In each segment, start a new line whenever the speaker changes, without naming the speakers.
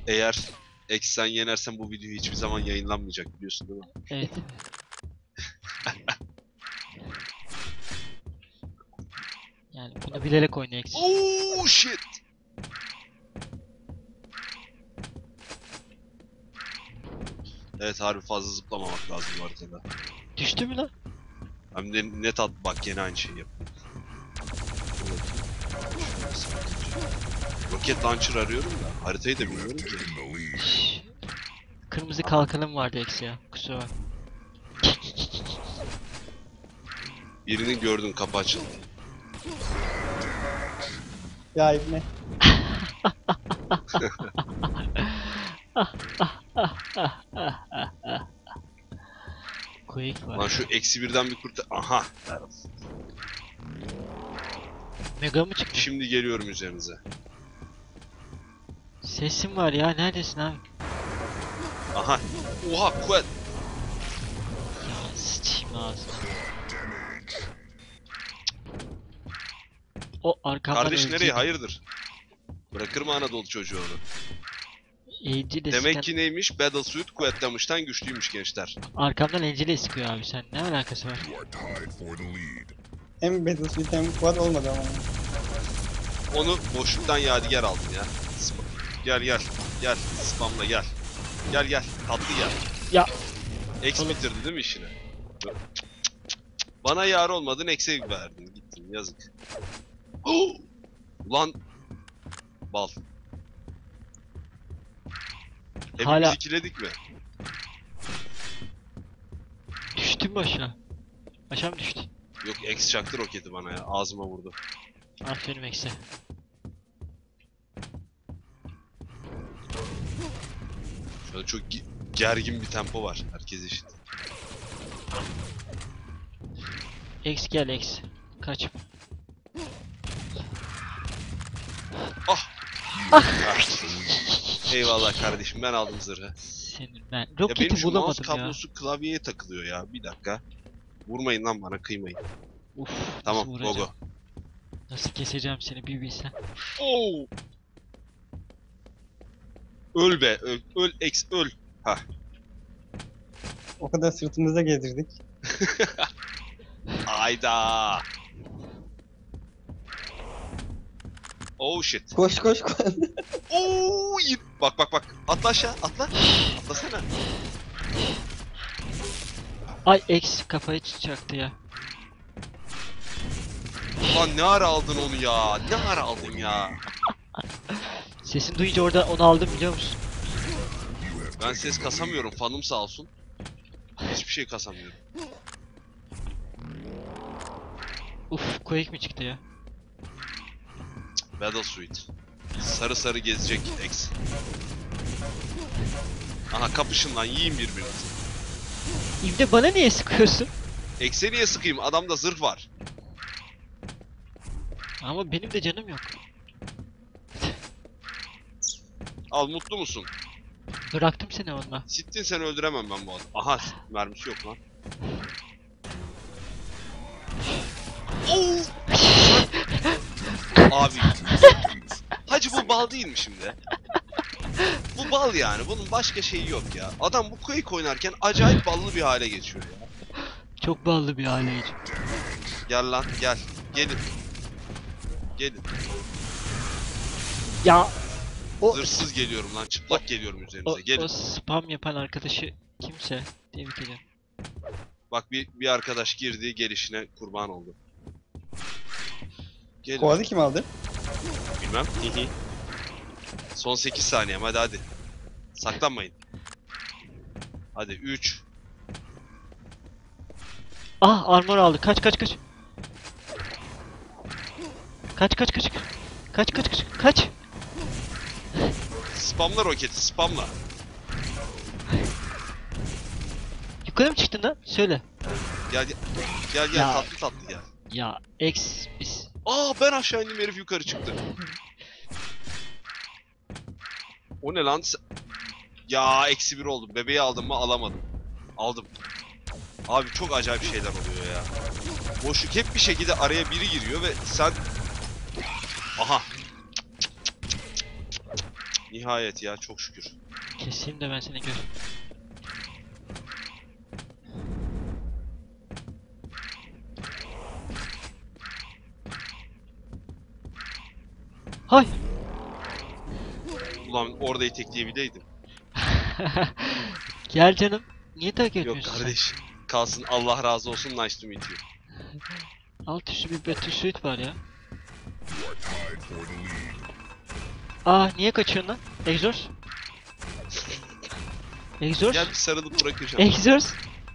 Eğer Eksen yenersen bu video hiçbir zaman yayınlanmayacak, biliyorsun değil mi?
Evet. Yani bunu bilerek oynayacaksın.
Oh shit. Evet, harbi fazla zıplamamak lazım bu haritada.
Düştü mü lan?
Hem de net at, bak gene aynı şeyi yapıyor. Roket launcher arıyorum da haritayı da bilmiyorum ki.
Şşş. Kırmızı kalkanım vardı eksi ya. Kusura bak.
Birini gördüm, kapı açıldı.
Ya İbni.
Quake
Lan
var.
şu eksi birden bir kurtar... Aha!
Mega mı çıktı?
Şimdi geliyorum üzerinize.
Sesim var ya. Neredesin abi?
Aha! Oha, kuvvet!
Ya sıçayım ağzına. O arkamdan
Kardeş nereye?
ölecek.
Hayırdır? Bırakır mı Anadolu çocuğu onu?
Angel
Demek ki neymiş? Battlesuit kuvvetlenmişten güçlüymüş gençler.
Arkamdan Angel'e sıkıyor abi, sen ne alakası var?
Hem Battlefield hem Quad olmadı ama.
Onu boşluktan yadigar aldım ya. Gel gel. Gel. Spamla gel. Gel gel. Tatlı gel.
Ya.
X
Oğlum.
bitirdi değil mi işini? Bana yar olmadın, X'e verdin. Gittin, yazık. Ulan. Bal. Hepimiz
Hala-
ikiledik mi?
Düştün mü aşağı? Aşağı mı düştün?
Yok, X çaktı roketi bana ya. Ağzıma vurdu.
Aferin Eksi.
Şöyle çok gergin bir tempo var. Herkes eşit.
X gel X. Kaç.
Ah! Ah. Eyvallah kardeşim, ben aldım zırhı.
Senin ben.
Ya benim
Roketi
şu mouse
bulamadım ya.
kablosu klavyeye takılıyor ya. Bir dakika. Vurmayın lan bana, kıymayın.
Uf.
Tamam,
nasıl
go
vuracağım?
go.
Nasıl keseceğim seni bir bilsen.
Oo! Öl be, öl, öl, X, öl. Hah.
O kadar sırtımızda gezdirdik.
Ayda. Oh shit.
Koş koş koş.
Oo! Bak bak bak. Atla aşağı, atla. Atlasana.
Ay X kafayı çaktı ya.
Ulan ne ara aldın onu ya? Ne ara aldın ya?
Sesini duyunca orada onu aldım, biliyor musun?
Ben ses kasamıyorum, fanım sağ olsun. Hiçbir şey kasamıyorum.
Uf, Quake mi çıktı ya?
Battlesuit. Sarı sarı gezecek X. Aha, kapışın lan, yiyin birbirinizi.
İbne bana niye sıkıyorsun?
X'e niye sıkayım? Adamda zırh var.
Ama benim de canım yok.
Al, mutlu musun?
Bıraktım seni onunla.
Sittin, seni öldüremem ben bu adam. Aha, mermisi yok lan. Oo! Abi. Hacı, bu bal değil mi şimdi? Bu bal yani. Bunun başka şeyi yok ya. Adam bu Quake oynarken acayip ballı bir hale geçiyor ya.
Çok ballı bir aileydi.
Gel lan, gel. Gelin. Gelin.
Ya o
Zırhsız geliyorum lan. Çıplak geliyorum üzerinize. Gelin.
o spam yapan arkadaşı kimse tebrik ederim.
Bak, bir arkadaş girdi, gelişine kurban oldu. Gelin.
Quad'ı kim aldı?
Bilmem. Hihi. Son 8 saniyem, hadi hadi. Saklanmayın. Hadi 3.
Ah, armor aldı. Kaç kaç kaç. Kaç kaç kaç. Kaç kaç kaç. Kaç.
Spamla roketi, spamla.
Yukarı mı çıktın lan? Söyle.
Gel gel. Gel gel,
Ya.
tatlı tatlı gel.
Ya X biz.
Aa, ben aşağı indim, herif yukarı çıktı. O ne lan? Ya, eksi 1 oldum. Bebeği aldım mı? Alamadım. Aldım. Abi çok acayip şeyler oluyor ya. Boşluk hep bir şekilde araya biri giriyor ve sen... Aha. Nihayet ya, çok şükür.
Keseyim de ben seni gör. Hay.
Ulan orada itekleyebileydim.
Gel canım. Niye takip
Yok
etmiyorsun
kardeş. Kalsın, Allah razı olsun, nice to meet you.
sen? Alt üstü bir Battlesuit var ya. Aa niye kaçıyorsun lan? Exors? Exors?
Gel bir sarılıp bırakacağım.
Exors?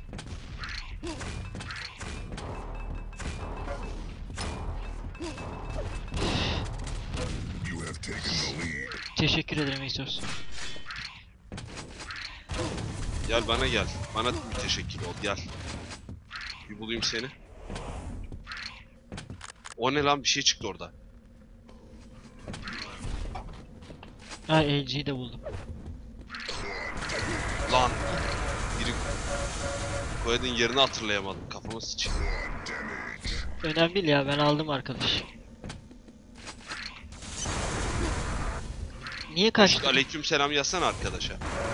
Teşekkür ederim Exors.
Gel bana gel. Bana müteşekkir ol, gel. Bir bulayım seni. O ne lan, bir şey çıktı orada.
Ha LG'yi de buldum.
Lan. Biri koyadığın yerini hatırlayamadım. Kafama sıçayım.
Önemli değil ya, ben aldım arkadaş. Niye kaçtın?
Aleyküm selam yazsana arkadaşa.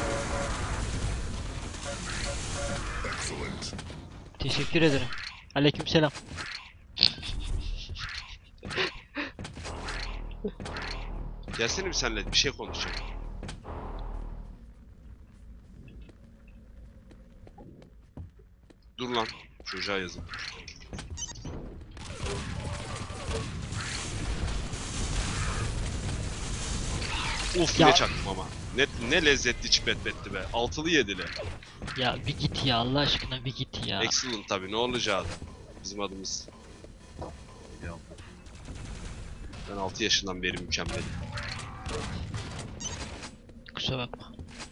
Teşekkür ederim. Aleykümselam.
Gelsene bir senle bir şey konuşacağım. Dur lan. Çocuğa yazın. Uf
Ya.
ne çaktım ama. Ne lezzetli çipetbetti be. Altılı yedili.
Ya bir git ya, Allah aşkına bir git ya.
Excellent tabi, ne olacağı. Bizim adımız. Ya. Ben 6 yaşından beri mükemmelim.
Kusura bakma.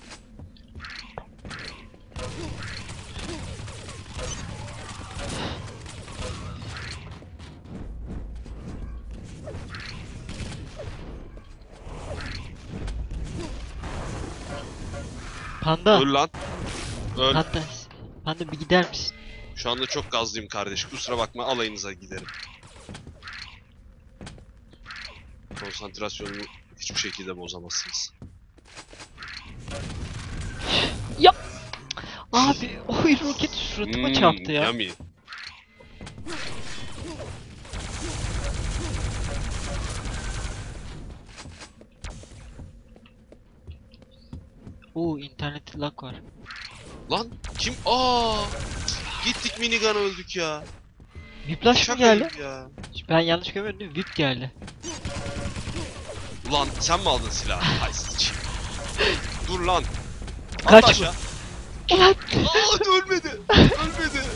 Panda.
Öl lan. Öl.
Panda. Panda bir gider misin?
Şu anda çok gazlıyım kardeş. Kusura bakma, alayınıza giderim. Konsantrasyonumu hiçbir şekilde bozamazsınız.
Abi oy roket suratıma çarptı ya.
Yummy.
Oo internet lag var.
Lan kim? Aa! Gittik minigun öldük ya.
Whiplash mı
Şaka
geldi?
gibi ya.
Ben yanlış görmedim değil mi? Whip geldi.
Ulan sen mi aldın silahı? Hay sıçayım. Dur lan.
Kaç
At
bu?
aşağı.
Ulan!
Aa ölmedi. Ölmedi.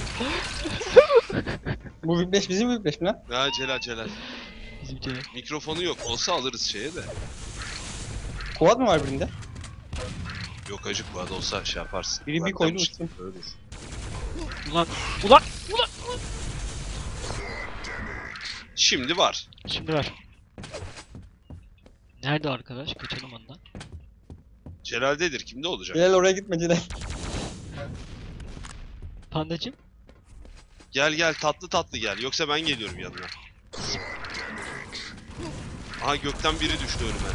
Bu Whiplash bizim Whiplash mi lan?
Ya Celal.
Bizim canım.
Mikrofonu yok. Olsa alırız şeye de.
Quad mı var birinde?
Yok acık bu arada, olsa şey yaparsın.
Biri bir
Benden
koydu
işte
uçtu.
ölür.
Ulan! Ulan! Ulan!
Şimdi var.
Şimdi var. Nerede arkadaş? Kaçalım ondan.
Celal'dedir. Kimde olacak?
Celal oraya gitme Celal.
Pandacım?
Gel tatlı gel. Yoksa ben geliyorum yanına. Aha gökten biri düştü önüme.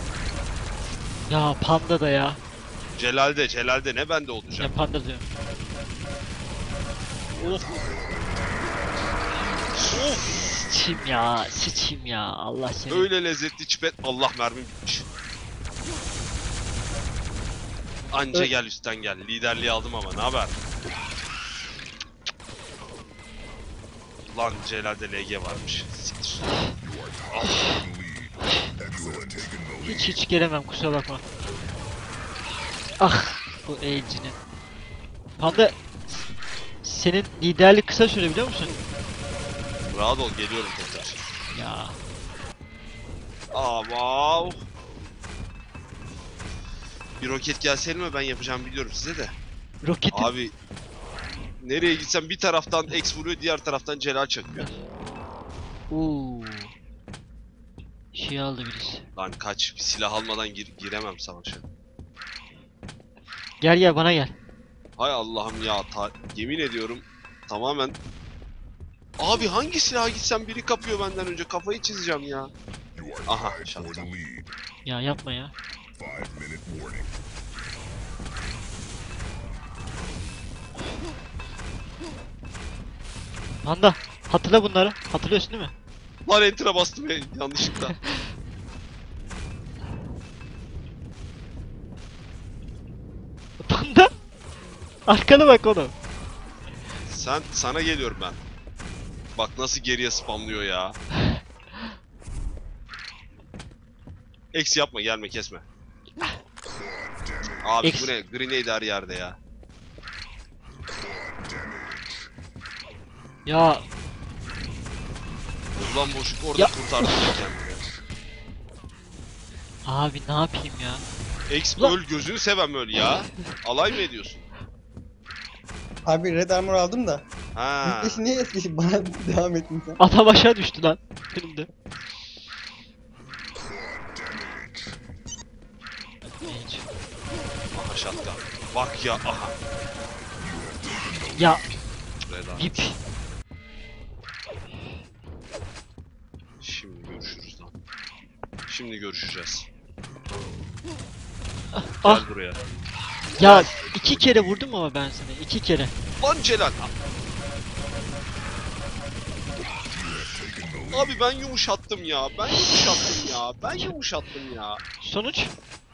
Ya panda da ya.
Celal'de ne bende olacak?
Ya panda diyorum.
Of. Of.
Sıçayım ya. Sıçayım ya. Allah seni.
Öyle lezzetli çipet. Allah mermi bitmiş. Anca gel üstten gel. Liderliği aldım ama ne haber? Lan Celal'de LG varmış. Siktir.
Hiç gelemem, kusura bakma. Ah bu elcinin. Panda senin liderlik kısa süre biliyor musun?
Rahat ol, geliyorum tekrar.
Ya
Wow. Bir roket gelseydi mi ben yapacağım biliyorum size de.
roketin
Abi nereye gitsem bir taraftan X vuruyor, diğer taraftan Celal çakıyor.
Uuu. Şey aldı birisi.
Lan kaç, bir silah almadan giremem savaşa.
Gel bana gel.
Hay Allah'ım ya, yemin ediyorum tamamen. Abi hangi silaha gitsem biri kapıyor benden önce, kafayı çizeceğim ya. Aha şansa.
Ya yapma ya.
5-minute warning.
Panda hatırla bunları. Hatırlıyorsun değil mi?
Lan enter'a bastım ya yanlışlıkla.
Panda. Arkana bak oğlum.
Sana geliyorum ben. Bak nasıl geriye spamlıyor ya. Eksi yapma, gelme, kesme. Abi
Ex.
bu ne? Grenade her yerde ya.
Ya
Ulan boşluk orada
Ya.
kurtardı kendini.
abi ne yapayım ya?
Ex
Ulan.
öl, gözünü sevem öl ya. Alay mı ediyorsun?
Abi red armor aldım da.
Ha.
Büyükleşi niye es geçip bana devam ettin sen?
Adam aşağı düştü lan. Önümde. Hiç.
Aha şatka. Bak ya, aha.
Ya
Reda.
VIP.
Şimdi görüşürüz lan. Şimdi görüşeceğiz.
Ah
Gel buraya.
ya 2 kere vurdum ama ben seni 2 kere.
Lan Celal. Abi ben yumuşattım ya. Ben yumuşattım ya. Ben yumuşattım ya.
Sonuç?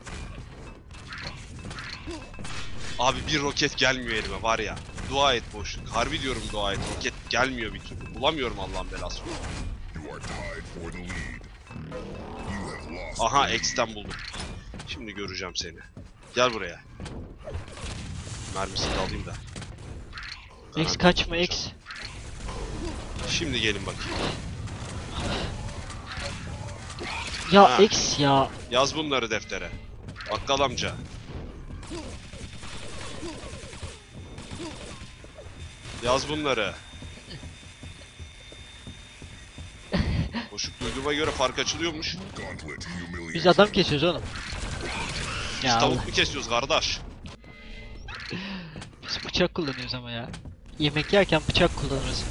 Abi bir roket gelmiyor elime var ya. Dua et boşluk. Harbi diyorum dua et. Roket gelmiyor bir türlü. Bulamıyorum Allah'ın belası.
You are tied for the lead. You have lost.
Aha X'ten buldum. Şimdi göreceğim seni. Gel buraya. Mermisini de alayım da.
X kaçma X.
Şimdi gelin bakayım.
Ya
Ha.
X ya.
Yaz bunları deftere. Bakkal amca. Yaz bunları. Boşluk duyduğuma göre fark açılıyormuş.
Gauntlet humiliation.
Biz adam kesiyoruz oğlum.
Biz
Ya
tavuk mu kesiyoruz kardeş?
biz bıçak kullanıyoruz ama ya. Yemek yerken bıçak kullanırız.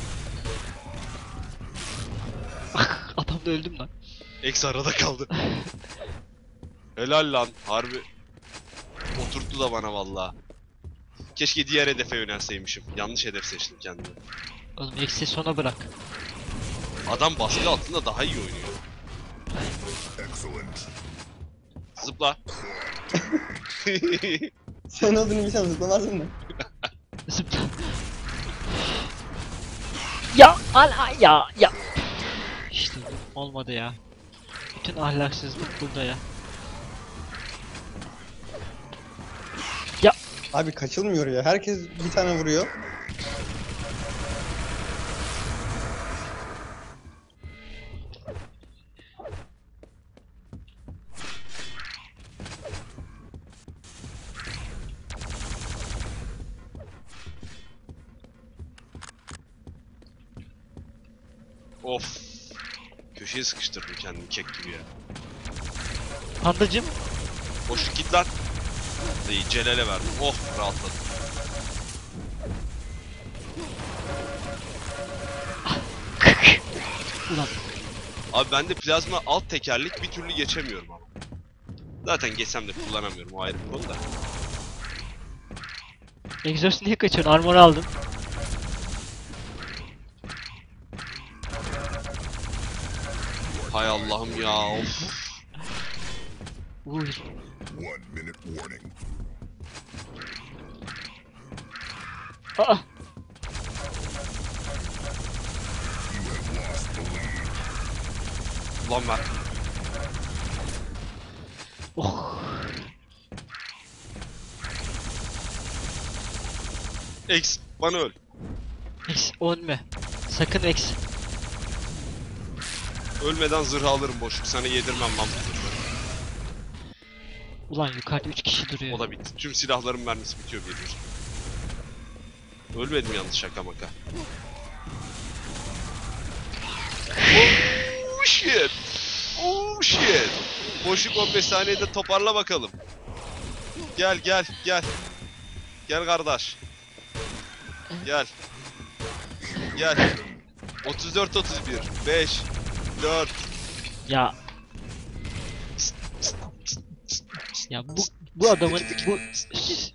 Adam da öldüm lan.
X arada kaldı. Helal lan. Harbi. Oturttu da bana valla. Keşke diğer hedefe yönelseymişim. Yanlış hedef seçtim kendimi.
Oğlum X'i sona bırak.
Adam baskı altında daha iyi oynuyor.
Excellent.
Zıpla.
Sen olduğunu bilsem zıplamazdın mı?
Zıpla. Ya ala ya. İşte olmadı ya. Bütün ahlaksızlık burada ya.
Abi kaçılmıyor ya. Herkes bir tane vuruyor.
Of. Köşeye sıkıştırdım kendimi kek gibi ya.
Pandacım
Boşluk git lan. İyi Celal'e verdim. Oh rahatladım.
ulan
Abi bende plazma alt tekerlek bir türlü geçemiyorum ama. Zaten geçsem de kullanamıyorum, o ayrı bir konu da.
egzoz niye kaçıyorsun? Armor aldım.
Hay Allah'ım ya of.
Uy.
1-minute warning.
Aa.
You have lost the lead.
Ulan ver.
Oh.
X bana öl.
X ölme. Sakın X.
Ölmeden zırh alırım boşluk. Sana yedirmem lan bu zırhları.
Ulan yukarıda 3 kişi duruyor.
O da bitti. Tüm silahların mermisi bitiyor bir. Ölmedim yalnız şaka maka. Oh shit. Oh shit. Boşluk 15 saniyede toparla bakalım. Gel gel gel. Gel kardeş. Gel. Gel. 34 31 5 4
Ya Ya bu adamın bu